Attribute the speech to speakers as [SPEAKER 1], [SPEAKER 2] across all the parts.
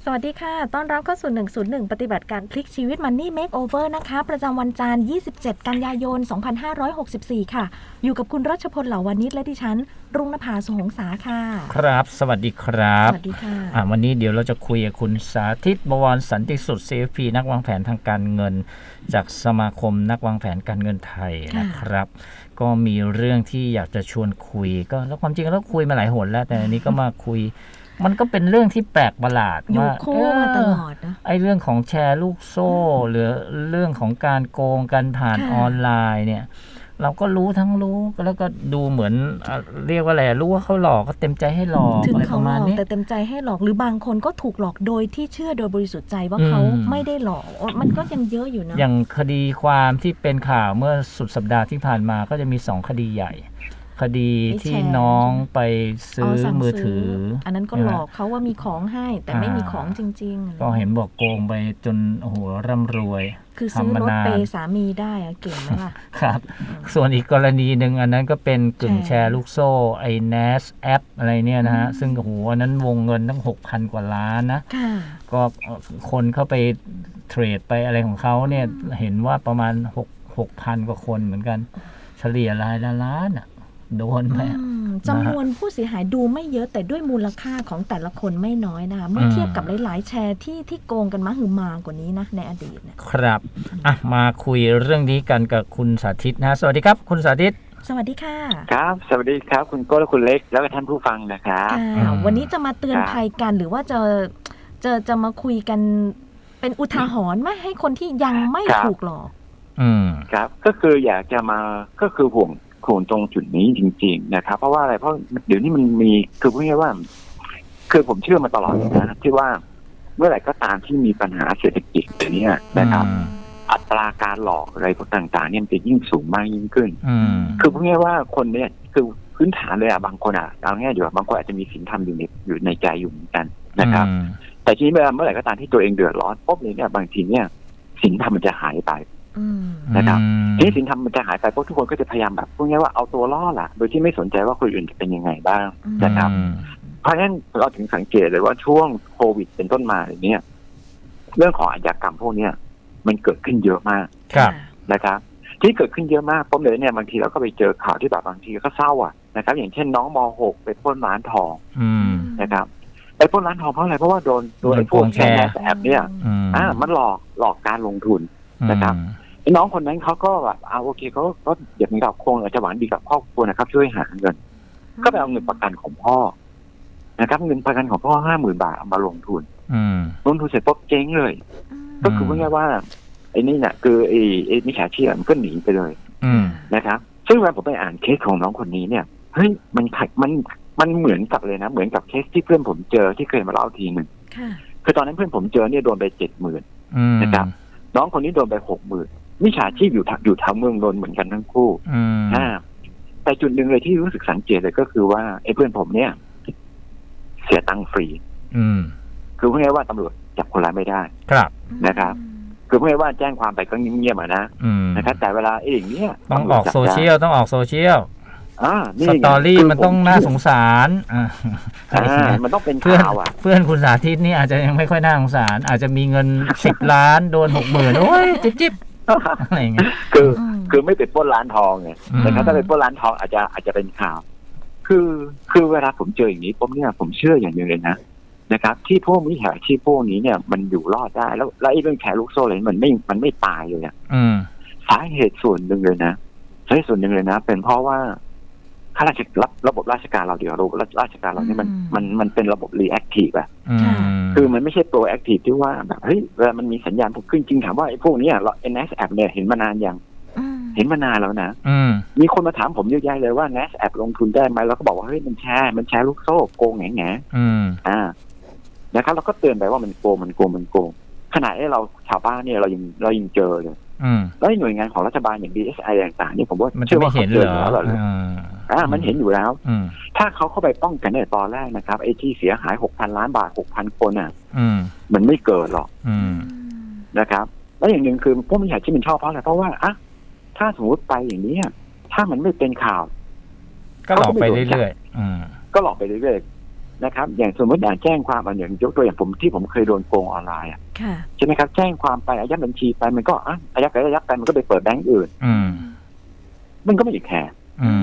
[SPEAKER 1] สวัสดีค่ะต้อนรับเข้าสู่101ปฏิบัติการพลิกชีวิต Money Makeover นะคะประจำวันจันทร์27กันยายน2564ค่ะอยู่กับคุณรัชพลเหล่าวานิชและดิฉันรุ่งนภาสุหงษาค่ะ
[SPEAKER 2] ครับสวัสดีครับ
[SPEAKER 1] สวัสดีค่ะ
[SPEAKER 2] วันนี้เดี๋ยวเราจะคุยกับคุณสาธิต บวรสันติสุด CFP นักวางแผนทางการเงินจากสมาคมนักวางแผนการเงินไทยนะครับก็มีเรื่องที่อยากจะชวนคุยก็แล้วความจริงเราคุยมาหลายหนแล้วแต่อันนี้ก็มาคุยมันก็เป็นเรื่องที่แปลกประหลาด
[SPEAKER 1] ว่าคู่มาตลอดนะ
[SPEAKER 2] ไอ้เรื่องของแชร์ลูกโซ่หรือเรื่องของการโกงกันผ่านออนไลน์เนี่ยเราก็รู้แล้วก็ดูเหมือนเรียกว่าอะไรรู้ว่าเขาหลอกก็เต็มใจให้หลอก
[SPEAKER 1] ถึง
[SPEAKER 2] เขาหลอก
[SPEAKER 1] แต่เต็มใจให้หลอกหรือบางคนก็ถูกหลอกโดยที่เชื่อโดยบริสุทธิ์ใจว่าเขาไม่ได้หลอกมันก็ยังเยอะอยู่นะ
[SPEAKER 2] อย่างคดีความที่เป็นข่าวเมื่อสุดสัปดาห์ที่ผ่านมาก็จะมี2คดีใหญ่คดีที่น้องไปซื้อมือถือ
[SPEAKER 1] อันนั้นก็หลอกเขาว่ามีของให้แต่ไม่มีของจริง
[SPEAKER 2] ๆก็เห็นบอกโกงไปจนโอ้โหร่ำรวย
[SPEAKER 1] คือซื้อรถเปย์สามีได้เก่งไหมล่ะ
[SPEAKER 2] ครับส่วนอีกกรณีหนึ่งอันนั้นก็เป็นกึ่งแชร์ลูกโซ่ไอ้ NAS แอปอะไรเนี่ยนะฮะซึ่งโอ้โหอันนั้นวงเงินตั้ง 6,000 กว่าล้านนะก็คนเข้าไปเทรดไปอะไรของเขาเนี่ยเห็นว่าประมาณ6,000 กว่าคนเหมือนกันเฉลี่ยรายละล้านโดนไป
[SPEAKER 1] จำนวนผู้เสียหายดูไม่เยอะแต่ด้วยมูลค่าของแต่ละคนไม่น้อยนะคะเมื่อเทียบกับหลายๆแชร์ที่โกงกันมาหือมากว่านี้นะในอดีต
[SPEAKER 2] ครับมาคุยเรื่องนี้กันกับคุณสาธิตนะสวัสดีครับคุณสาธิต
[SPEAKER 1] สวัสดีค่ะ
[SPEAKER 3] ครับสวัสดีครับคุณโก้และคุณเล็กแล้วก็ท่านผู้ฟังนะครับ
[SPEAKER 1] วันนี้จะมาเตือนภัยกันหรือว่าจะมาคุยกันเป็นอุทาหรณ์ไม่ให้คนที่ยังไม่ถูกหลอก
[SPEAKER 3] ครับก็คืออยากจะมาก็คือห่วงตรงจุดนี้จริงๆนะครับเพราะว่าอะไรเพราะเดี๋ยวนี้มันมีคือพูดง่ายๆว่าคือผมเชื่อมาตลอดนะที่ว่าเมื่อไหร่ก็ตามที่มีปัญหาเศรษฐกิจแบบนี้นะครับอัตราการหลอกอะไรพวกต่างๆเนี่ยมันจะยิ่งสูงมากยิ่งขึ้นคือพูดง่ายๆว่าคนเนี่ยคือพื้นฐานเลยบางคนเอาง่ายๆอยู่บางคนอาจจะมีศีลธรรมอยู่ในใจอยู่เหมือนกันนะครับแต่ทีนี้เมื่อไหร่ก็ตามที่ตัวเองเดือดร้อนปุ๊บเนี่ยบางทีเนี่ยศีลธรรมมันจะหายไปนะครับทีนี้ศีลธรรมมันจะหายไปเพราะทุกคนก็จะพยายามแบบพูดง่ายว่าเอาตัวรอดโดยที่ไม่สนใจว่าคนอื่นจะเป็นยังไงบ้างนะครับเพราะฉะนั้นเราถึงสังเกตเลยว่าช่วงโควิดเป็นต้นมาอย่างนี้เรื่องของอาชญากรรมพวกนี้มันเกิดขึ้นเยอะมากนะครับที่เกิดขึ้นเยอะมากผมเลยเนี่ยบางทีเราก็ไปเจอข่าวที่แบบบางทีก็เศร้านะครับอย่างเช่นน้องม.6 ไปปล้นร้านทองนะครับไปปล้นร้านทองเพราะอะไรเพราะว่าโดนไอ้พวกแชร์แอบเนี่ยมันหลอกการลงทุนนะครับน้องคนนั้นเขาก็แบบโอเคเขาเดี๋ยวนี้เราคงจะหวังดีกับครอบครัวนะครับช่วยหาเงินก็ไปเอาเงินประกันของพ่อนะครับเงินประกันของพ่อ 50,000 บาทเอามาลงทุนเสร็จปุ๊บเจ๊งเลยก็คือว่าไงว่าไอ้นี่เนี่ยคือไอ้มิจฉาชีพมันก็หนีไปเลยนะครับซึ่งเวลาผมไปอ่านเคสของน้องคนนี้เนี่ยเฮ้ยมันเหมือนกับเลยนะเหมือนกับเคสที่เพื่อนผมเจอที่เคยมาเล่าทีหนึ่งคือตอนนั้นเพื่อนผมเจอเนี่ยโดนไป 70,000 นะครับน้องคนนี้โดนไป 60,000มิจฉาชีพอยู่แถวเมืองนนท์เหมือนกันทั้งคู่แต่จุดหนึ่งเลยที่รู้สึกสังเกตเลยก็คือว่าไอ้เพื่อนผมเนี่ยเสียตังค์ฟรีคือพูดง่ายว่าตำรวจจับคนร้ายไม่ได้
[SPEAKER 2] ครับ
[SPEAKER 3] นะครับคือพูดง่ายว่าแจ้งความไปก็เงียบๆนะครับแต่เวลาอย่างนี้
[SPEAKER 2] ต้องออกโซเชียลสตอรี่มันต้องน่าสงสาร
[SPEAKER 3] มันต้องเป็นข่าว
[SPEAKER 2] เพื่อนคุณสาธิตนี่อาจจะยังไม่ค่อยน่าสงสารอาจจะมีเงิน10 ล้านโดน 60,000โอ้ยจิ๊บอะไรอย่างเงี้ย
[SPEAKER 3] คือไม่เป็นปล้นร้านทองไงนะครับถ้าเป็นปล้นร้านทองอาจจะเป็นข่าวคือเวลาผมเจออย่างนี้ผมเชื่ออย่างนึงเลยนะครับที่พวกมิจฉาชีพพวกนี้เนี่ยมันอยู่รอดได้แล้วไอ้เรื่องแชร์ลูกโซ่อะไรมันไม่ตายเลยสาเหตุส่วนหนึ่งเลยนะเป็นเพราะว่าข้าราชการระบบราชการเราราชการเรานี่มันเป็นระบบรีแอคทีฟคือมันไม่ใช่โปรแอคทีฟที่ว่าแบบเฮ้ยเวลามันมีสัญญาณขึ้นจริงถามว่าไอ้พวกนี้NAS App เนี่ยเห็นมานานยังเห็นมานานแล้วนะมีคนมาถามผมเยอะแยะเลยว่า NAS App ลงทุนได้ไหมแล้วก็บอกว่าเฮ้ยมันแชร์ลูกโซ่โกงแง่นะครับเราก็เตือนไปว่ามันโกงขณะที่เราชาวบ้านเนี่ยเรายังเจอเลยแล้วหน่วยงานของรัฐบาลอย่าง DSI ต่างๆนี่ผมว่า
[SPEAKER 2] เชื่อว่าเขาเจอแล้ว
[SPEAKER 3] มันเห็นอยู่แล้วถ้าเขาเข้าไปป้องกันในตอนแรกนะครับไอ้ที่เสียหาย 6,000 ล้านบาท 6,000 คนมันไม่เกิดหรอกนะครับแล้วอย่างหนึ่งคือพวกมิจฉาชีพมันชอบเพราะอะไรเพราะว่าถ้าสมมติไปอย่างนี้ถ้ามันไม่เป็นข่าว
[SPEAKER 2] ก็หลอกไปเรื่อย
[SPEAKER 3] ๆก็หลอกไปเรื่อยๆนะครับอย่างสมมติแจ้งความอย่างยกตัวอย่างผมที่ผมเคยโดนโกงออนไลน์ใช่ไหมครับแจ้งความไปอายัดบัญชีไปมันก็อายัดไปมันก็ไปเปิดแบงก์อื่นมันก็ไม่ได้แคร์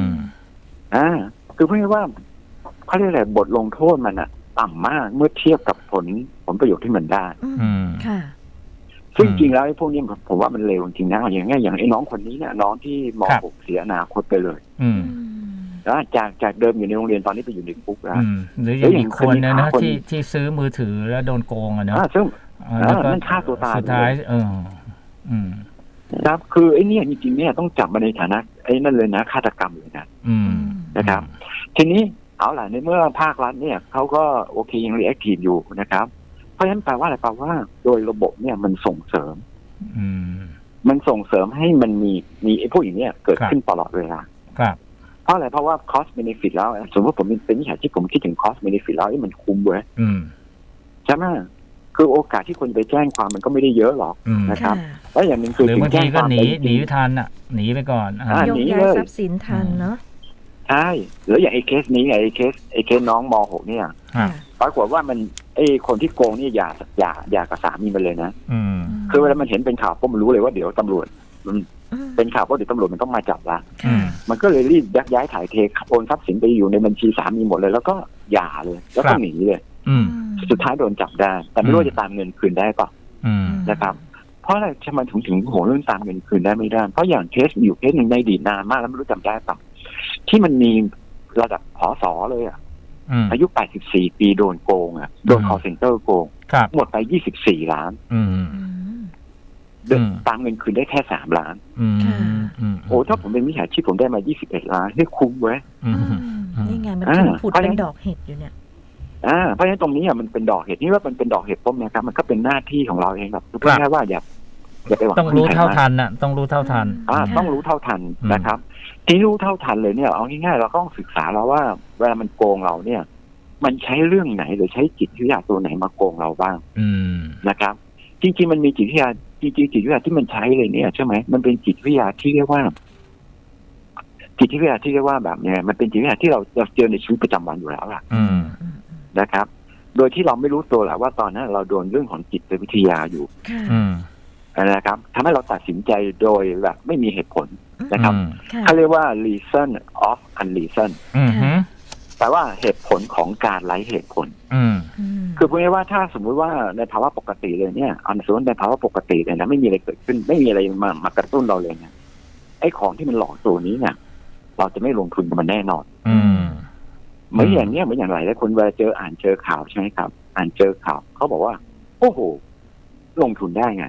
[SPEAKER 3] คือพูดง่ายๆว่าเขาเรียกอะไรบทลงโทษมันต่ำมากเมื่อเทียบกับผลประโยชน์ที่มันได้ซึ่งจริงแล้วไอ้พวกนี้ผมว่ามันเลวจริงนะอย่างไอ้น้องคนนี้เนี่ยน้องที่ม.6 เสียอนาคตไปเลยแล้วจากเดิมอยู่ในโรงเรียนตอนนี้ไปอยู่ในคุกแล้ว
[SPEAKER 2] หรืออย่างอีกคนนะที่ซื้อมือถือแล้วโดนโกงเนาะ
[SPEAKER 3] ซึ่งนั่นฆ่าตัวตาย
[SPEAKER 2] สุดท้าย
[SPEAKER 3] ครับคือไอ้นี่จริงๆเนี่ยต้องจับมาในฐานะไอ้นั่นเลยนะฆาตกรรมเลยนะครับทีนี้เอาล่ะในเมื่อภาครัฐเนี่ยเขาก็โอเคยังรีแอคทีฟอยู่นะครับเพราะฉะนั้นแปลว่าอะไรแปลว่าโดยระบบเนี่ยมันส่งเสริมให้มันมีไอ้พวกอย่างเนี้ยเกิดขึ้นตลอดเวลาเพราะอะไรเพราะว่า cost benefit แล้วสมมติผมเป็นมิจฉาชีพผมคิดถึง cost benefit แล้วมันคุ้มเว้ยใช่ไหมคือโอกาสที่คนไปแจ้งความมันก็ไม่ได้เยอะหรอกนะครับแล้วอย่างหนึ่งคือ
[SPEAKER 2] หรือบางทีก็หนีทันหนีไปก่อน
[SPEAKER 1] ยกย้ายทรัพย์สินทันเนาะ
[SPEAKER 3] ใช่หรืออย่างไอ้เคสนี้ไอ้เคสน้องม.6 เนี่ยปรากฏว่ามันไอ้คนที่โกงนี่อย่ากับสามีมันเลยนะคือเวลามันเห็นเป็นข่าวก็มันรู้เลยว่าเดี๋ยวตำรวจมันเป็นข่าวว่าเดี๋ยวตำรวจมันต้องมาจับละมันก็เลยรีบยักย้ายถ่ายเทโอนทรัพย์สินไปอยู่ในบัญชีสามีหมดเลยแล้วก็หย่าเลยแล้วก็หนีเลยสุดท้ายโดนจับได้แต่ไม่รู้ว่าจะตามเงินคืนได้ป่ะนะครับเพราะอะไรทำไมถึงโหเรื่องตามเงินคืนได้ไม่ได้เพราะอย่างเคสอยู่เคสหนึ่งในอดีตนานมากแล้วไม่รู้จำได้ป่ะที่มันมีระดับผส.เลยอายุ84 ปีโดนโกงโดน call center โกงหมดไป24 ล้านตามเงินคืนได้แค่3 ล้านโอ้ถ้าผมเป็นมิจฉาชีพผมได้มา21 ล้านนี่คุ้มเว้ย
[SPEAKER 1] นี่ไงมันผุดเป็นดอกเห็ดอยู่เนี่ย
[SPEAKER 3] เพราะฉะนั้นตรงนี้มันเป็นดอกเห็ดนี่ว่ามันเป็นดอกเห็ดต้มนะครับมันก็เป็นหน้าที่ของเราเองครับพูดง่ายๆว่าอย่าไปหวัง
[SPEAKER 2] ต้องรู้เท่าทันต้องรู้เท่าทัน
[SPEAKER 3] ต้องรู้เท่าทันนะครับที่รู้เท่าทันเลยเนี่ยเอาง่ายๆเราต้องศึกษาแล้วว่าเวลามันโกงเราเนี่ยมันใช้เรื่องไหนหรือใช้จิตวิทยาตัวไหนมาโกงเราบ้างนะครับจริงๆมันมีจิตวิทยาจริงๆจิตวิทยาที่มันใช้เลยเนี่ยใช่ไหมมันเป็นจิตวิทยาที่เรียกว่าแบบเนี้ยมันเป็นจิตวิทยาที่เราเจอในชีวิตประจำวันอยู่แล้วล่ะนะครับโดยที่เราไม่รู้ตัวแหละว่าตอนนั้นเราโดนเรื่องของจิตวิทยาอยู่นะครับทำให้เราตัดสินใจโดยแบบไม่มีเหตุผลนะครับเขาเรียกว่า reason of unreason แปลว่าเหตุผลของการไร้เหตุผลคือพูดง่ายๆว่าถ้าสมมุติว่าในภาวะปกติเลยเนี่ยสมมติในภาวะปกติเลยนะไม่มีอะไรเกิดขึ้นไม่มีอะไรมากระตุ้นเราเลยเนี่ยไอ้ของที่มันหลอกตัวนี้เนี่ยเราจะไม่ลงทุนกับมันแน่นอนเหมือนอย่างเนี้ยเหมือนอย่างไรแล้วคนเวลาอ่านเจอข่าวใช่ไหมครับอ่านเจอข่าวเขาบอกว่าโอ้โหลงทุนได้ไง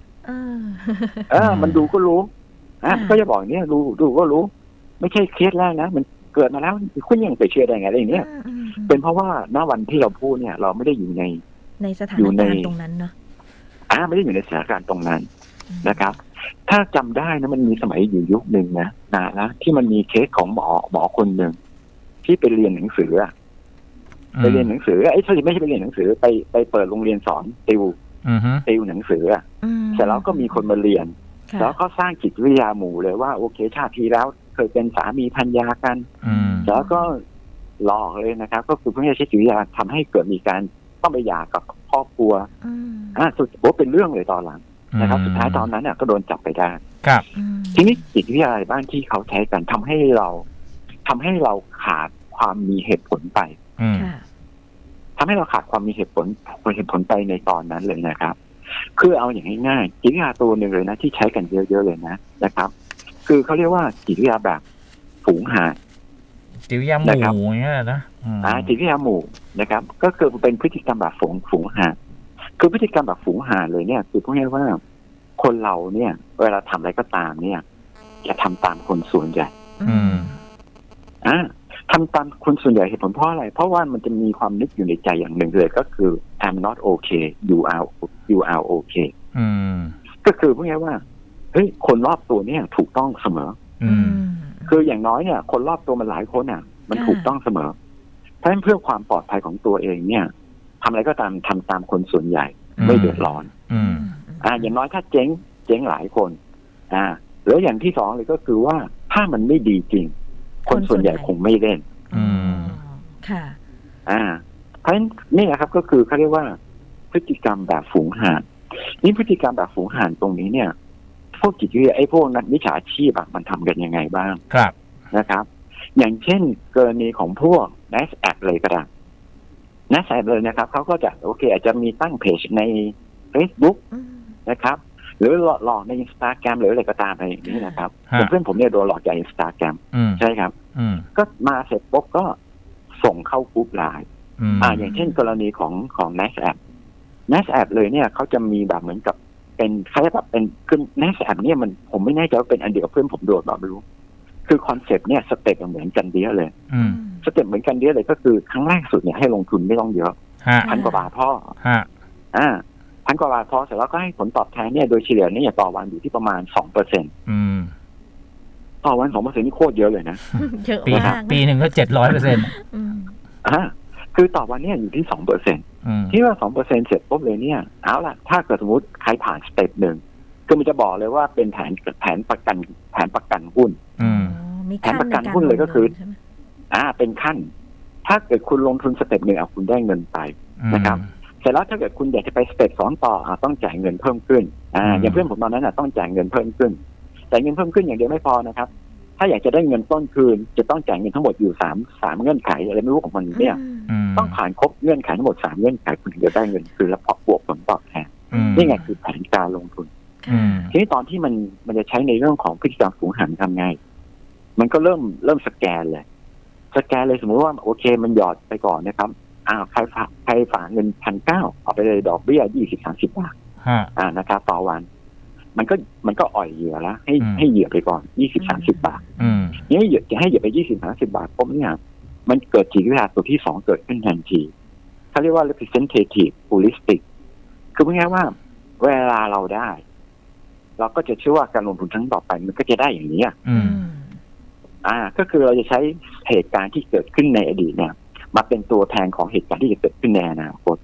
[SPEAKER 3] มันดูก็รู้ก็จะบอกเนี่ยดูก็รู้ไม่ใช่เคสแรกนะมันเกิดมาแล้วคุณยังไปเชื่อได้ไงอะไรอย่างเงี้ยเป็นเพราะว่าณวันที่เราพูดเนี่ยเราไม่ได้อยู่ใน
[SPEAKER 1] สถานการณ์ตรงนั้นเนาะ
[SPEAKER 3] ไม่ได้อยู่ในสถานการณ์ตรงนั้นนะครับถ้าจำได้นะมันมีสมัยอยู่ยุคหนึ่งนะที่มันมีเคสของหมอคนหนึ่งที่ไปเรียนหนังสือไปเรียนหนังสือไม่ใช่ไปเรียนหนังสือไปเปิดโรงเรียนสอนติวหนังสือเสร็จแล้วก็มีคนมาเรียนแล้วก็สร้างจิตวิทยาหมู่เลยว่าโอเคชาติที่แล้วเคยเป็นสามีภรรยากันแล้วก็หลอกเลยนะครับก็คือเพื่อใช้จิตวิทยาทำให้เกิดมีการต้องไปหย่ากับครอบครัวสุดโอ้เป็นเรื่องเลยตอนหลังนะครับสุดท้ายตอนนั้นก็โดนจับไปได้ทีนี้จิตวิทยาอะไรบ้างที่เขาใช้กันทำให้เราขาดความมีเหตุผลไปทำให้เราขาดความมีเหตุผลไปในตอนนั้นเลยนะครับคือเอาอย่างง่ายๆจิตวิทยาตัวหนึ่งเลยนะที่ใช้กันเยอะๆเลยนะครับคือเขาเรียกว่าจิตวิทยาแบบฝูงหา
[SPEAKER 2] จิตวิทยาหมู่อย่างเงี้ยนะ
[SPEAKER 3] จิตวิทยาหมู่นะครับก็คือเป็นพฤติกรรมแบบฝูงหาคือพฤติกรรมแบบฝูงหาเลยเนี่ยคือพูดง่ายๆว่าคนเราเนี่ยเวลาทำอะไรก็ตามเนี่ยจะทำตามคนส่วนใหญ่ทำตามคนส่วนใหญ่เหตุผลเพราะอะไรเพราะว่ามันจะมีความนึกอยู่ในใจอย่างหนึ่งเลยก็คือ I'm not okay you are okay ก็คือพูดง่ายๆว่าเฮ้ยคนรอบตัวเนี่ยถูกต้องเสมอคืออย่างน้อยเนี่ยคนรอบตัวมันหลายคนมันถูกต้องเสมอเพราะฉะนั้นเพื่อความปลอดภัยของตัวเองเนี่ยทำอะไรก็ตามทำตามคนส่วนใหญ่ไม่เดือดร้อนอย่างน้อยถ้าเจ๊งหลายคนแล้วอย่างที่สองเลยก็คือว่าถ้ามันไม่ดีจริงคนส่วนใหญ่คงไม่เล่น
[SPEAKER 1] ค่ะ
[SPEAKER 3] เพราะฉะนั้นนี่นะครับก็คือเขาเรียกว่าพฤติกรรมแบบฝูงห่านนี่พฤติกรรมแบบฝูงห่านตรงนี้เนี่ยพวกจิตวิทยาพวกนักวิชาชีพมันทำกันยังไงบ้าง
[SPEAKER 2] ครับ
[SPEAKER 3] นะครับ อย่างเช่นกรณีของพวก NASDAQ เลยก็ได้ NASDAQ เลยนะครับเขาก็จะโอเคอาจจะมีตั้งเพจใน Facebook นะครับหรือหลอกใน Instagram หรืออะไรก็ตามอะไรอย่างนี้นะครับเพื่อนผมเนี่ยโดนหลอกจาก Instagram ใช่ครับก็มาเสร็จปุ๊บก็ส่งเข้ากรุ๊ปไลน์อย่างเช่นกรณีของ NASDAQ เลยเนี่ยเขาจะมีแบบเหมือนกับเป็นคล้ายแบบเป็นคือ NASDAQ เนี่ยมันผมไม่แน่ใจว่าเป็นอันเดียวกับเพื่อนผมโดนแบบไม่รู้คือคอนเซ็ปต์เนี่ยสเต็ปเหมือนกันเดียเลยสเต็ปเหมือนกันเดียเลยก็คือครั้งแรกสุดเนี่ยให้ลงทุนไม่ต้องเยอะ1,000 กว่าบาทพ่อ1,000 กว่าบาทพอเสร็จแล้วก็ให้ผลตอบแทนเนี่ยโดยเฉลี่ยเนี่ยต่อวันอยู่ที่ประมาณ 2% ต่อวัน 2% นี่โคตรเยอะเลยนะ
[SPEAKER 1] เยอะมาก
[SPEAKER 2] ปีหนึ่งก็ 700%
[SPEAKER 3] คือต่อวันเนี่ยอยู่ที่ 2% ที่ว่า 2% เสร็จปุ๊บเลยเนี่ยเอาล่ะถ้าเกิดสมมติใครผ่านสเต็ปหนึ่งคือมันจะบอกเลยว่าเป็นแผนประกันหุ้นแผนประกันหุ้นเลยก็คือเป็นขั้นถ้าเกิดคุณลงทุนสเต็ปหนึ่งคุณได้เงินไปนะครับเสร็จแล้วถ้าเกิดคุณอยากจะไปสเต็ป2ต่อต้องจ่ายเงินเพิ่มขึ้นอย่างเพื่อนผมตอนนั้นต้องจ่ายเงินเพิ่มขึ้นแต่เงินเพิ่มขึ้นอย่างเดียวไม่พอนะครับถ้าอยากจะได้เงินต้นคืนจะต้องจ่ายเงินทั้งหมดอยู่3เงื่อนไขอะไรไม่รู้ของมันเนี่ยต้องผ่านครบเงื่อนไขทั้งหมด3เงื่อนไขคุณถึงจะได้เงินคืนและบวกผลตอบแทนนี่ไงคือแผนการลงทุนทีนี้ตอนที่มันจะใช้ในเรื่องของพฤติกรรมฝูงห่านทำไงมันก็เริ่มสแกนเลยสมมติว่าโอเคมันหยอดไปก่อนนะครับใครฝากเงิน 1,900 เอาไปเลยดอกเบี้ย 20-30 บาทนะครับต่อวันมันก็อ่อยเหยื่อแล้วให้เหยื่อไปก่อน 20-30 บาทนี่จะให้เหยื่อไป 20-30 บาทปุ๊บเนี่ยมันเกิดจิตวิทยาตัวที่2เกิดขึ้นทันทีเขาเรียกว่า representative heuristic คือพูดง่ายๆว่าเวลาเราได้เราก็จะเชื่อว่าการลงทุนครั้งต่อไปมันก็จะได้อย่างนี้ก็คือเราจะใช้เหตุการณ์ที่เกิดขึ้นในอดีตเนี่ยมาเป็นตัวแทนของเหตุการณ์ที่จะเกิดขึ้นในอนาคต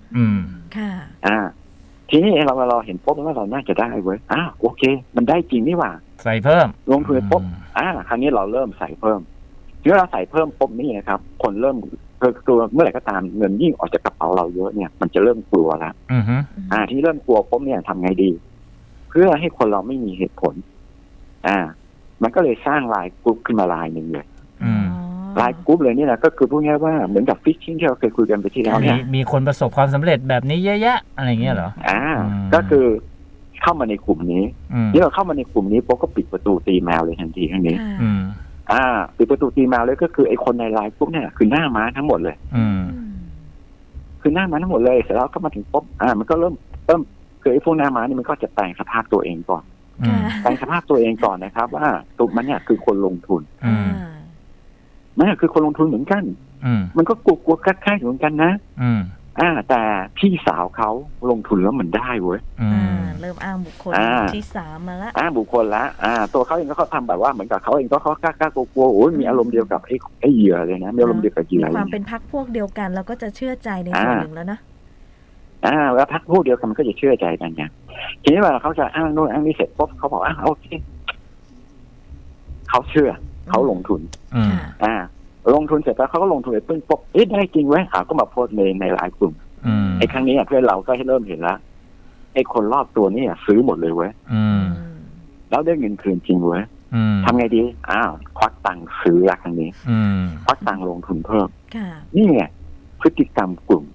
[SPEAKER 3] ทีนี้เราเห็นปุ๊บว่าเราน่าจะได้เว้ยโอเคมันได้จริงนี่หว่า
[SPEAKER 2] ใส่เพิ่ม
[SPEAKER 3] ลงทุนปุ๊บครั้งนี้เราเริ่มใส่เพิ่มเมื่อเราใส่เพิ่มปุ๊บนี่นะครับคนเริ่มตัวเมื่อไหร่ก็ตามเงินยิ่งออกจากกระเป๋าเราเยอะเนี่ยมันจะเริ่มกลัวแล้วที่เริ่มกลัวปุ๊บเนี่ยทำไงดีเพื่อให้คนเราไม่มีเหตุผลมันก็เลยสร้างไลน์กรุ๊ปขึ้นมาไลน์หนึ่งเลยไลน์กรุ๊ปเลยนี่นะก็คือพูดง่ายว่าเหมือนกับฟิชชิ่งที่เราเคยคุยกันไปที่แล้วเนี่ย
[SPEAKER 2] มีคนประสบความสำเร็จแบบนี้เยอะแยะอะไรเงี้ยเหรอ
[SPEAKER 3] ก็คือเข้ามาในกลุ่มนี้นี่เราเข้ามาในกลุ่มนี้ปุ๊บก็ปิดประตูตีแมวเลยทันทีทั้งนี้ปิดประตูตีแมวเลยก็คือไอ้คนในไลน์กรุ๊ปเนี่ยคือหน้าม้าทั้งหมดเลยคือหน้าม้าทั้งหมดเลยเสร็จแล้วก็มาถึงปุ๊บมันก็เริ่มคือไอ้พวกหน้าม้านี่มันก็จะแปลงสภาพตัวเองก่อนแปลงสภาพตัวเองก่อนนะครับว่าตัวมันเนี่ยคือคนลงทุนมันคือคนลงทุนเหมือนกันมันก็กลัวๆคล้ายๆเหมือนกันนะแต่พี่สาวเขาลงทุนแล้วมันได้เว้ย
[SPEAKER 1] เริ่มอ้างบุคคลที่3มาแล้ว
[SPEAKER 3] บุคคลละตัวเขาเองก็เขาทำแบบว่าเหมือนกับเขาเองก็เขากล้ากลัวโอ้ยมีอารมณ์เดียวกับไอ้เหยื่อเลยนะมีอารมณ์เดียวกับเหยื่อ
[SPEAKER 1] มีความเป็นพรรคพวกเดียวกันแล้วก็จะเชื่อใจในส่วนหนึ่งแล้วนะ
[SPEAKER 3] แล้วพรรคพวกเดียวกันมันก็จะเชื่อใจกันไงทีนี้เวลาเขาจะอ้างโน่นอ้างนี่เสร็จปุ๊บเขาบอกโอเคเขาเชื่อเขาลงทุนลงทุนเสร็จแล้วเขาก็ลงทุนไปปึ้งปุ๊บได้จริงเว้ยก็มาโพสต์ในหลายกลุ่มไอ้ครั้งนี้เพื่อนเราก็ให้เริ่มเห็นแล้วไอ้คนรอบตัวนี่ซื้อหมดเลยเว้ยแล้วได้เงินคืนจริงเว้ยทำไงดีควักตังค์ซื้อละครั้งนี้ควักตังค์ลงทุนเพิ่มนี่ไงพฤติกรรมกลุ่ม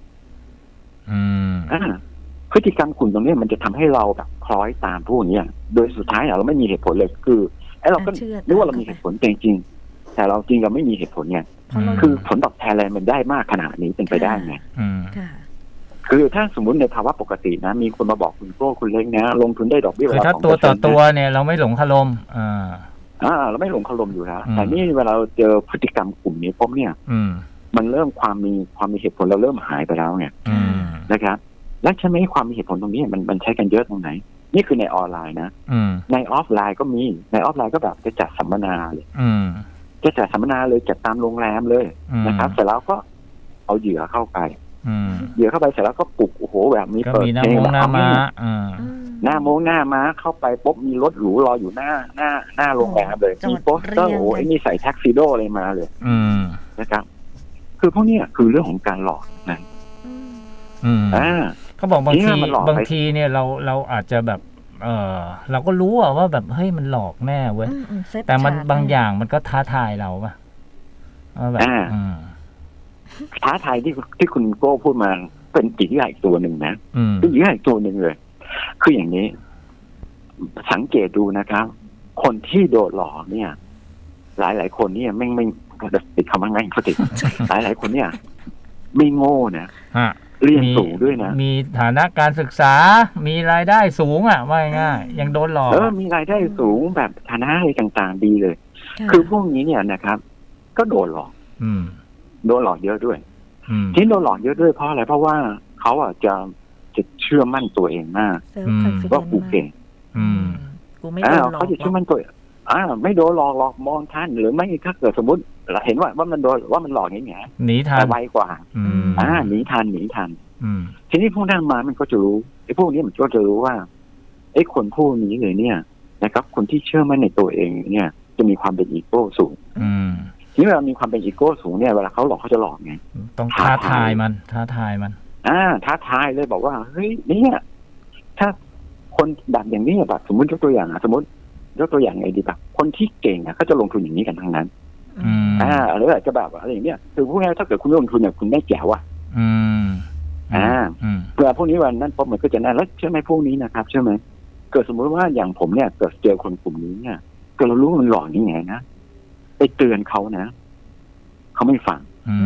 [SPEAKER 3] พฤติกรรมกลุ่มตรงนี้มันจะทำให้เราแบบคล้อยตามพวกนี้โดยสุดท้ายเราไม่มีเหตุผลเลยคือเราก็นึกว่าเรามีเหตุผลจริงๆแต่เราจริงเราไม่มีเหตุผลไงคือผลตอบแทนอะไรมันได้มากขนาดนี้เป็นไปได้ไงคือถ้าสมมติในภาวะปกตินะมีคนมาบอกคุณโก้คุณเล้งนะลงทุนได้ดอกเบี้ย
[SPEAKER 2] คือถ้าตัวต่อตัวเนี่ยเราไม่หลงคารม
[SPEAKER 3] เราไม่หลงคารมอยู่แล้วแต่นี่เวลาเราเจอพฤติกรรมกลุ่มนี้ปุ๊บเนี่ยมันเริ่มความมีเหตุผลเราเริ่มหายไปแล้วไงนะครับแล้วใช่ไหมความมีเหตุผลตรงนี้มันใช้กันเยอะตรงไหนนี่คือในออนไลน์นะในออฟไลน์ก็มีในออฟไลน์ก็แบบจะจัดสัมมนาเลยจะจัดสัมมนาเลยจัดตามโรงแรมเลยนะครับเสร็จแล้วก็เอาเหยื่อเข้าไปเสร็จแล้วก็ปลุกโอ้โหแบบมี
[SPEAKER 2] เปิดเพลงหน้าม้า
[SPEAKER 3] หน้าม้าเข้าไปปุ๊บมีรถหรูรออยู่หน้าโรงแรมเลยมีโปสเตอร์โอ้ไอ้นี่ใส่แท็กซิโดอะไรมาเลยนะครับคือพวกนี้คือเรื่องของการหลอกนะ
[SPEAKER 2] อืม
[SPEAKER 3] อ่า
[SPEAKER 2] เขาบอกบาง
[SPEAKER 3] เนี่
[SPEAKER 2] ที
[SPEAKER 3] ยมันหลอกไป
[SPEAKER 2] บางทีเนี่ยเราอาจจะแบบเราก็รู้อะว่าแบบเฮ้ยมันหลอกแน่เว้ย
[SPEAKER 1] เซต
[SPEAKER 2] แต่มัน
[SPEAKER 1] ฉก
[SPEAKER 2] บางอย่างมันก็ท้าทายเราป่ะว่าแบบ
[SPEAKER 3] ท้าทายที่คุณโก้พูดมาเป็นจิตวิทยาอีกตัวหนึ่งนะเป็นจิตวิทยาอีกตัวหนึ่งเลยคืออย่างนี้ สังเกตดูนะครับ คนที่โดนหลอกเนี่ย หลายคนเนี่ยไม่ติดคำว่าไงเขาติด หลายคนเนี่ย ไม่โง่นะเรียนสูงด้วยนะ
[SPEAKER 2] มีฐานะการศึกษามีรายได้สูงอ่ะว่าง่ายยังโดนหลอก
[SPEAKER 3] มีรายได้สูงแบบฐานะอะไรต่างๆดีเลย คือพวกนี้เนี่ยนะครับ ก็โดนหลอกโดนหลอกเยอะด้วยที่โดนหลอกเยอะด้วยเพราะอะไรเพราะว่าเขาอ่ะจะเชื่อมั่นตัวเองมากว่ากูเก่ง
[SPEAKER 1] กูไม่โดนหลอก
[SPEAKER 3] เขาจะเชื่อมั่นตัวไม่โดนหลอกมองท่านหรือไม่ถ้าเกิดสมมติเราเห็นว่ามันโดนว่ามันหลอกอย่างเงี้ย
[SPEAKER 2] หนีทัน
[SPEAKER 3] ไวกว่าหนีทันทีนี้พวกนั้นมามันก็จะรู้ไอ้พวกนี้มันก็จะรู้ว่าไอ้คนพวกนี้เลยเนี่ยนะครับคนที่เชื่อมั่นในตัวเองเนี่ยจะมีความเป็นอีโก้สูงทีนี้เวลามีความเป็นอีโก้สูงเนี่ยเวลาเขาหลอกเขาจะหลอกไง
[SPEAKER 2] ต้องท้าทายมันท้าทาย
[SPEAKER 3] เลยบอกว่าเฮ้ยเนี่ยถ้าคนแบบอย่างนี้แบบสมมติยกตัวอย่างสมมติยกตัวอย่างไงดีแบบคนที่เก่งเขาจะลงทุนอย่างนี้กันทั้งนั้นหรืออาจจะแบบอะไรอย่างเนี้ยคือพวกนี้ถ้าเกิดคุณลงทุนเนี่ยคุณได้แจ๋วเวลาพวกนี้วันนั้นพบมันก็จะนั่นแล้วใช่ไหมพวกนี้นะครับใช่ไหมเกิดสมมติว่าอย่างผมเนี่ยเกิดเจอคนกลุ่มนี้เนี่ยก็เรารู้ว่ามันหลอกยังไงนะไปเตือนเขานะเขาไม่ฟัง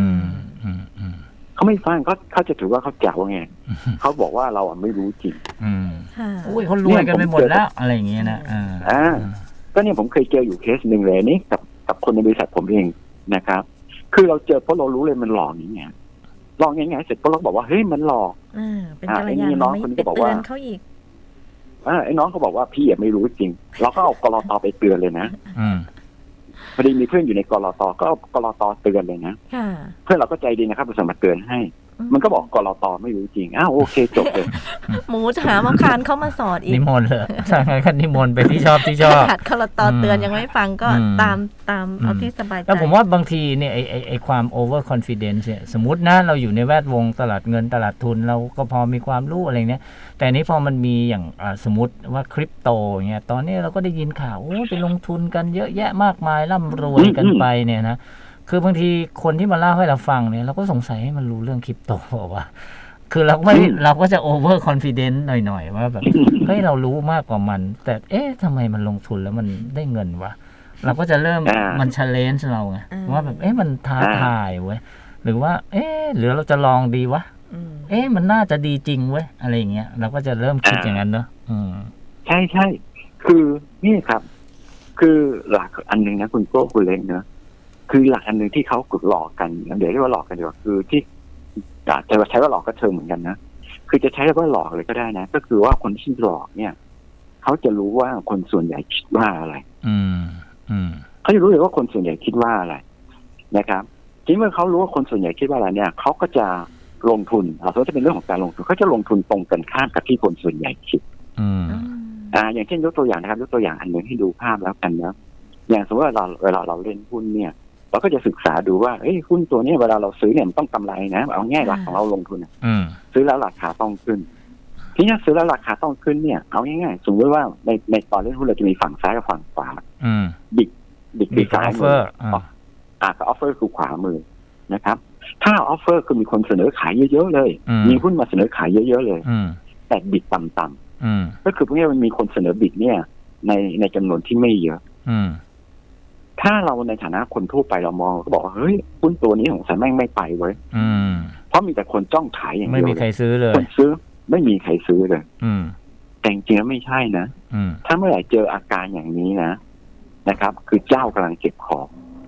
[SPEAKER 3] เขาไม่ฟังเขาจะถือว่าเขาแจ๋วไงเขาบอกว่าเราไม่รู้จริง
[SPEAKER 2] อุ้ยเขารวยกันไปหมดแล้วอะไรอย่างเงี้ยนะ
[SPEAKER 3] ก็เนี่ยผมเคยเจออยู่เคสหนึ่งเลยนี่กับคนในบริษัทผมเองนะครับคือเราเจอเพราะเรารู้เลยมันหลอกอย่างเงี้ยลองยังไงเสร็จก็เราบอกว่าเฮ้ยมันหลอก
[SPEAKER 1] เป็นกัลยาณมิตรน้องคนนี้ก็บอกว่าเขาอีก
[SPEAKER 3] ไอ้น้องเขาบอกว่าพี่ไม่รู้จริงเราก็เอากลต.ไปเตือนเลยนะพอดีมีเพื่อนอยู่ในกลต.ก็เอากลต.เตือนเลยนะเพื่อนเราก็ใจดีนะครับเราสามารถเตือนให้มันก็บอกกลต.ไม่รู้จริงโอเคจบเลย
[SPEAKER 1] หมูจะหามาคานเข้ามาสอดอีก
[SPEAKER 2] นิมนต์เลยใช่คันนิมนต์ไปที่ชอบ
[SPEAKER 1] ขัดกลต.เตือนยังไม่ฟังก็ตามเอาที่สบายใจ
[SPEAKER 2] แล้วผมว่าบางทีเนี่ยไอความ over confidence เนี่ยสมมตินะเราอยู่ในแวดวงตลาดเงินตลาดทุนเราก็พอมีความรู้อะไรเนี้ยแต่นี้พอมันมีอย่างสมมติว่าคริปโตเงี้ยตอนนี้เราก็ได้ยินข่าวไปลงทุนกันเยอะแยะมากมายร่ำรวยกันไปเนี่ยนะคือบางทีคนที่มาเล่าให้เราฟังเนี่ยเราก็สงสัยให้มันรู้เรื่องคริปโตว่าคือเราก็จะ over confident หน่อยๆว่าแบบเฮ้ยเรารู้มากกว่ามันแต่ทำไมมันลงทุนแล้วมันได้เงินวะเราก็จะเริ่มมัน challenge เราไงว่าแบบมันท้าทายเว้ยหรือว่าหรือเราจะลองดีวะมันน่าจะดีจริงเว้ยอะไรอย่างเงี้ยเราก็จะเริ่มคิดอย่างนั้นเนอะ
[SPEAKER 3] ใช่คือนี่ครับคือหลักอันนึงนะคุณโก้คุณเล้งเนอะคือหลักอันนึงที่เขากดหลอกกันเดี๋ยวเรียกว่าหลอกกันดีกว่าคือที่จะใช้ว่าหลอกก็เชิงเหมือนกันนะคือจะใช้ว่าหลอกเลยก็ได้นะก็คือว่าคนที่หลอกเนี่ยเขาจะรู้ว่าคนส่วนใหญ่คิดว่าอะไรเขาจะรู้เลยว่าคนส่วนใหญ่คิดว่าอะไรนะครับทีเมื่อเขารู้ว่าคนส่วนใหญ่คิดว่าอะไรเนี่ยเขาก็จะลงทุนสมมติจะเป็นเรื่องของการลงทุนเขาจะลงทุนตรงกันข้ามกับที่คนส่วนใหญ่คิดอย่างเช่นยกตัวอย่างนะครับยกตัวอย่างอันหนึ่งให้ดูภาพแล้วกันนะอย่างสมมติว่าเวลาเราเล่นหุ้นเนี่ยเราก็จะศึกษาดูว่าหุ้นตัวนี้เวลาเราซื้อเนี่ยมันต้องกำไรนะเอาง่ายหลักของเราลงทุนซื้อแล้วราคาต้องขึ้นทีนี้ซื้อแล้วราคาต้องขึ้นเนี่ยเอาง่ายๆสมมติว่าในตอนเล่นหุ้นเราจะมีฝั่งซ้ายกับฝั่งขวาบิดคือซ้ายมือกับออฟเฟอร์คือขวามือนะครับถ้าออฟเฟอร์คือมีคนเสนอขายเยอะๆเลยมีหุ้นมาเสนอขายเยอะๆเลยแต่บิดต่ำๆก็คือพวกนี้มันมีคนเสนอบิดเนี่ยในจำนวนที่ไม่เยอะถ้าเราในฐานะคนทั่วไปเรามองก็บอกว่าเฮ้ยหุ้นตัวนี้ของฉันแม่งไม่ไปเว้ยเพราะมีแต่คนจ้องขายอย่างเดียว
[SPEAKER 2] ไม่มีใครซื้อเลย
[SPEAKER 3] คนซื้อไม่มีใครซื้อเลยแต่จริงๆแล้วไม่ใช่นะถ้าเมื่อไหร่เจออาการอย่างนี้นะครับคือเจ้ากำลังเก็บของ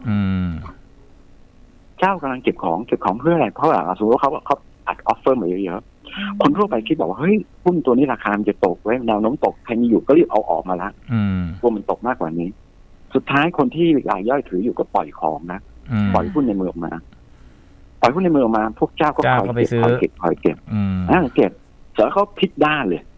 [SPEAKER 3] เจ้ากำลังเก็บของเพื่ออะไรเพราะว่าสมมติว่าเขาอัดออฟเฟอร์มาเยอะๆคนทั่วไปคิดบอกว่าเฮ้ยหุ้นตัวนี้ราคามันจะตกไว้แนวโน้มตกใครมีอยู่ก็รีบเอาออกมาละกลัวมันตกมากกว่านี้สุดท้ายคนที่รายย่อยถืออยู่ก็ปล่อยของนะปล่อยหุ้นในมือออกมาพวกเจ้าก็คอยเก็บเก็บเสร็จแล้วเขาพลิกด้านเลย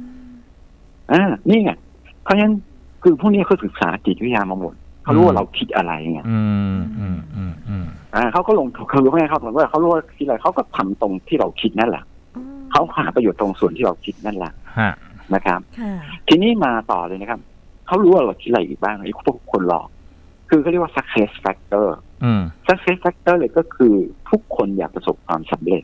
[SPEAKER 3] นี่ไงเพราะฉะนั้นคือพวกนี้เขาศึกษาจิตวิทยามาหมดเขารู้ว่าเราคิดอะไรไงเขาก็ลงเขารู้ไหมเขาบอกว่าเขารู้ว่าคิดอะไรเขาก็ทำตรงที่เราคิดนั่นแหละเขาหาประโยชน์ตรงส่วนที่เราคิดนั่นแหละ
[SPEAKER 2] ฮะ
[SPEAKER 3] นะครับ
[SPEAKER 1] ค่ะ
[SPEAKER 3] ทีนี้มาต่อเลยนะครับเขารู้ว่าเราคิดอะไรอีกบ้างไอ้พวกคนหลอกคือเขาเรียกว่า success factor success factor เลยก็คือทุกคนอยากประสบความสำเร็จ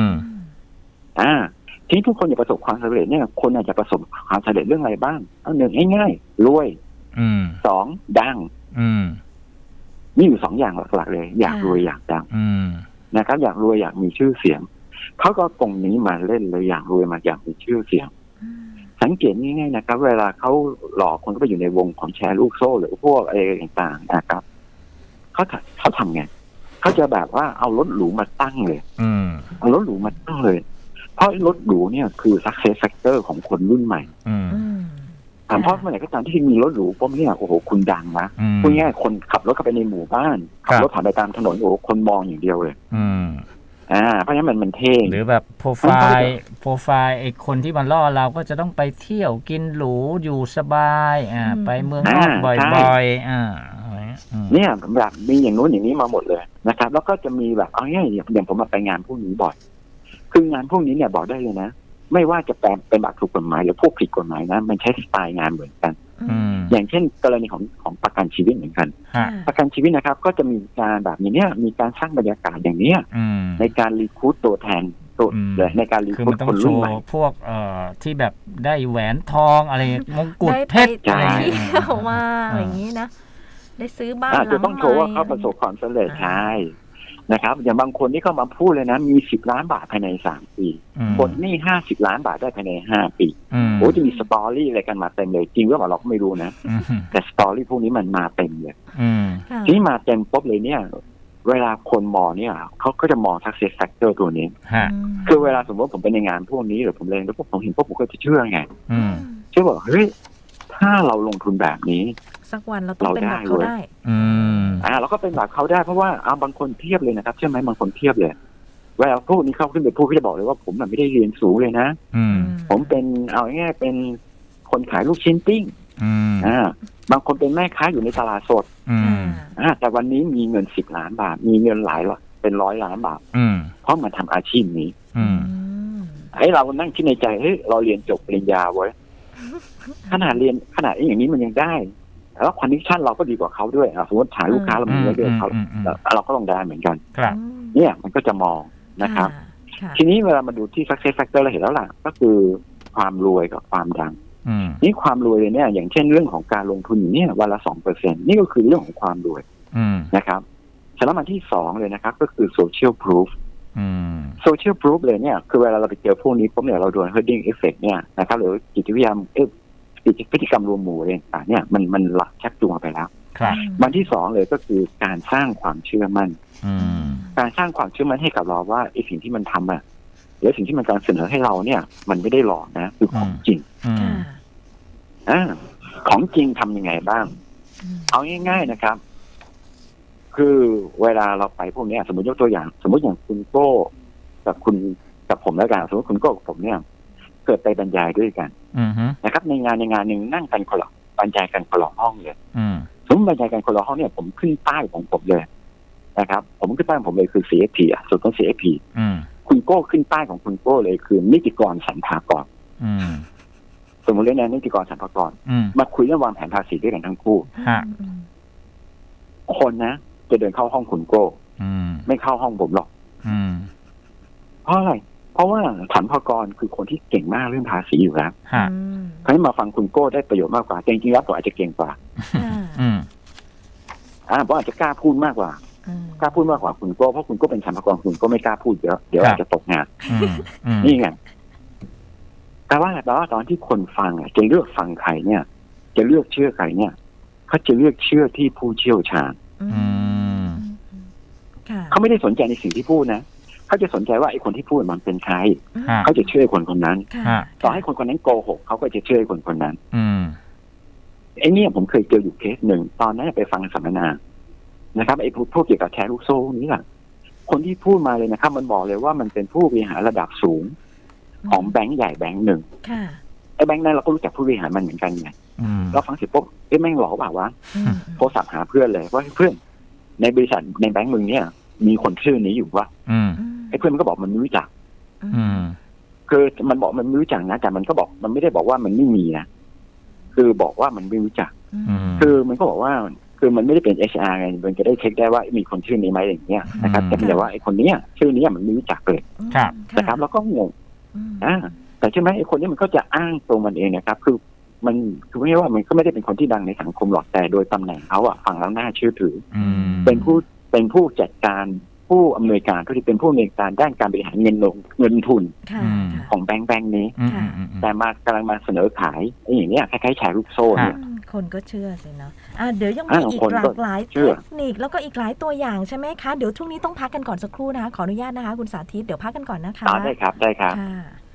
[SPEAKER 3] ทีนี้ทุกคนอยากประสบความสำเร็จเนี่ยคนอาจจะประสบความสำเร็จเรื่องอะไรบ้างเอาหนึ่งง่ายๆรวยสองดังนี่อยู่สองอย่างหลักๆเลยอยากรวยอยากดังนะครับอยากรวยอยากมีชื่อเสียงเขาก็ตรงนี้มาเล่นเลยอยากรวยมาอยากมีชื่อเสียงสังเกตง่ายๆนะครับเวลาเขาหลอกคนก็ไปอยู่ในวงของแชร์ลูกโซ่หรือพวกอะไรต่างๆนะครับเขาทำไงเขาจะแบบว่าเอารถหรูมาตั้งเลยเอารถหรูมาตั้งเลยเพราะรถหรูเนี่ยคือ success factor ของคนรุ่นใหม่เพราะเมื่อไหร่ก็ตามที่มีรถหรูปุ๊บเนี่ยโอ้โหคุณดังนะพูดง่ายๆคนขับรถเข้าไปในหมู่บ้านขับรถผ่านไปตามถนนโอ้โหคนมองอย่างเดียวเลยเพราะฉะนั้นมันเท่
[SPEAKER 2] หรือแบบโปรไฟล์ไอ้คนที่มันล่อเราก็จะต้องไปเที่ยวกินหรูอยู่สบายไปเมืองนอกบ่อยๆ
[SPEAKER 3] เนี่ยแบบมีอย่างนู้นอย่างนี้มาหมดเลยนะครับแล้วก็จะมีแบบเอาง่ายอย่างผมมาไปงานพวกนี้บ่อยคืองานพวกนี้เนี่ยบอกได้เลยนะไม่ว่าจะเป็นแบบถูกกฎหมายหรือพวกผิดกฎหมายนะมันใช้สไตล์งานเหมือนกันอย่างเช่นกรณีของประกันชีวิตเหมือนกันประกันชีวิตนะครับก็จะมีการแบบอย่างเนี้ยมีการสร้างบรรยากาศอย่างเนี้ยในการรีครูทตัวแทนตัวในการรีครูทคนรุ่นใหม่
[SPEAKER 2] พวกที่แบบได้แหวนทองอะไรมงกุฎเพชร
[SPEAKER 1] อะไรเข้ามาอะไรอย่างนี้นะได้ซื้อบ้านหลังใหม่
[SPEAKER 3] จะต้องโชว์ว่าเขาประสบความสำเร็จใช่นะครับอย่างบางคนที่เข้ามาพูดเลยนะมี10 ล้านบาทภายใน3 ปีหมดหนี้50 ล้านบาทได้ภายใน5 ปีโอ้จะมีสตอรี่อะไรกันมาเต็มเลยจริงหรือเปล่าเราก็ไม่รู้นะแต่สตอรี่พวกนี้มันมาเต็มเลยที่มาเต็มปุ๊บเลยเนี่ยเวลาคนมองเนี่ยเขาก็จะมอง success factor ตัวนี้คือเวลาสมมติผมไปในงานพวกนี้หรือผมเรียนแล้วผมเห็นพวกผมก็จะเชื่อไงเชื่อบอกเฮ้ยถ้าเราลงทุนแบบนี้
[SPEAKER 1] สักวันเราต้องเป็นแบบเขาได้
[SPEAKER 3] เราก็เป็นแบบเขาได้เพราะว่าบางคนเทียบเลยนะครับใช่ไหมบางคนเทียบเลยเวลาพวกนี้เข้าขึ้นไปพูดก็จะบอกเลยว่าผมไม่ได้เรียนสูงเลยนะผมเป็นเอาง่ายๆเป็นคนขายลูกชิ้นปิ้งบางคนเป็นแม่ค้าอยู่ในตลาดสดแต่วันนี้มีเงิน10 ล้านบาทมีเงินหลายเป็น100 ล้านบาทเพราะมันทำอาชีพนี้ให้เรานั่งคิดในใจเฮ้ยเราเรียนจบปริญญาไว้ขนาดอย่างนี้มันยังได้แล้วคอนดิชั่นเราก็ดีกว่าเขาด้วยสมมติถ่ายลูกค้าเรามีไว้ด้วยเขาเราก็ต้องได้เหมือนกันเนี่ยมันก็จะมองนะครับทีนี้เวลามาดูที่ success factor เราเห็นแล้วล่ะก็คือความรวยกับความดังนี่ความรวยเลยเนี่ยอย่างเช่นเรื่องของการลงทุนเนี่ยวันละ 2% นี่ก็คือเรื่องของความรวยนะครับแล้วมาที่2เลยนะครับก็คือ social proof social proof เลยเนี่ยคือเวลาเราไปเจอพวกนี้ปุ๊บเนี่ยเราโดน herding effect เนี่ยนะครับหรือจิตวิทยาพฤติกรรมรวมหมู่อะไรต่างเนี่ยมันหลักชักจูงไปแล้ววันที่2เลยก็คือการสร้างความเชื่อมั่นการสร้างความเชื่อมั่นให้กับเราว่าไอ้สิ่งที่มันทำหรือสิ่งที่มันการเสนอให้เราเนี่ยมันไม่ได้หลอกนะคือของจริงของจริงทำยังไงบ้างเอาง่ายๆนะครับคือเวลาเราไปพวกนี้สมมติยกตัวอย่างสมมติอย่างคุณโก้กับผมแล้วกันสมมติคุณโก้กับผมเนี่ยเกิดไปบรรยายด้วยกันนะครับในงานหนึ่งนั่งกันคนละบรรยายกันคนละห้องเลยสมมติบรรยายกันคนละห้องเนี่ยผมขึ้นป้ายของผมเลยนะครับผมขึ้นป้ายของผมเลยคือ CFP ส่วนของ CFP คุณโก้ขึ้นป้ายของคุณโก้เลยคือนิติกรสรรพากรสมมติเรื่องนิติกรสรรพากรมาคุยเรื่องวางแผนภาษีด้วยกันทั้งคู่คนนะจะเดินเข้าห้องคุณโก้ไม่เข้าห้องผมหรอกเพราะอะไรเพราะว่าสรรพากรคือคนที่เก่งมากเรื่องภาษีอยู่แล้วเขาให้มาฟังคุณโก้ได้ประโยชน์มากกว่าจริงๆแล้วผมอาจจะเก่งกว่าผมอาจจะกล้าพูดมากกว่าคุณโก้เพราะคุณโก้เป็นสรรพากรคุณก็ไม่กล้าพูดเยอะเดี๋ยวอาจจะตกงานนี่ไงแต่ว่าตอนที่คนฟังจะเลือกฟังใครเนี่ยจะเลือกเชื่อใครเนี่ยเขาจะเลือกเชื่อที่ผู้เชี่ยวชาญเขาไม่ได้สนใจในสิ่งที่พูดนะเขาจะสนใจว่าไอ้คนที่พูดมันเป็นใครเขาจะเชื่อคนคนนั้นต่อให้คนคนนั้นโกหกเขาก็จะเชื่อคนคนนั้นไอ้เนี่ยผมเคยเจออยู่เคสหนึ่งตอนนั้นไปฟังสัมมนานะครับไอ้พวกเกี่ยวกับแชร์ลูกโซ่นี้แหละคนที่พูดมาเลยนะครับมันบอกเลยว่ามันเป็นผู้บริหารระดับสูงของแบงก์ใหญ่แบงก์หนึ่งไอ้แบงก์นั้นเราก็รู้จักผู้บริหารมันเหมือนกันไงเราฟังเสร็จปุ๊บแม่งหลอกเปล่าวะโทรศัพท์หาเพื่อนเลยว่าเพื่อนในบริษัทในแบงก์มึงเนี่ยมีคนชื่อนี้อยู่วะไอ้เพื่อนมันก็บอกมันไม่รู้จักคือมันบอกมันไม่รู้จักนะแต่มันก็บอกมันไม่ได้บอกว่ามันไม่มีนะคือบอกว่ามันไม่รู้จัก คือมันก็บอกว่าคือมันไม่ได้เป็น HR ไงมันจะได้เช็คได้ว่ามีคนชื่อนี้ไหมอย่างเงี้ยนะครับแต่แต่ว่าไอ้คนเนี้ยชื่อนี้มันไม่รู้จักเลย
[SPEAKER 2] ครับ
[SPEAKER 3] นะครับแล้วก็งงแต่ใช่ไหมไอ้คนนี้มันก็จะอ้างตัวมันเองนะครับคือมันคือไม่ใช่ว่ามันก็ไม่ได้เป็นคนที่ดังในสังคมหรอกแต่โดยตำแหน่งเขาอะฟังแล้วน่าเชื่อถือเป็นผู้จัดการผู้อำนวยการที่เป็นผู้อำนวยการด้านการบริหารเงินทุนของแบงค์นี้แต่มากำลังมาเสนอขายไอ้อย่างเนี้ยคล้ายๆแชร์ลูกโซ่เนี่ย
[SPEAKER 1] คนก็เชื่อสินะเดี๋ยวยังมีอีกหลากหลายเทคนิคแล้วก็อีกหลายตัวอย่างใช่ไหมคะเดี๋ยวช่วงนี้ต้องพักกันก่อนสักครู่นะคะขออนุญาตนะคะคุณสาธิตเดี๋ยวพักกันก่อนนะคะ
[SPEAKER 3] ได้ครับ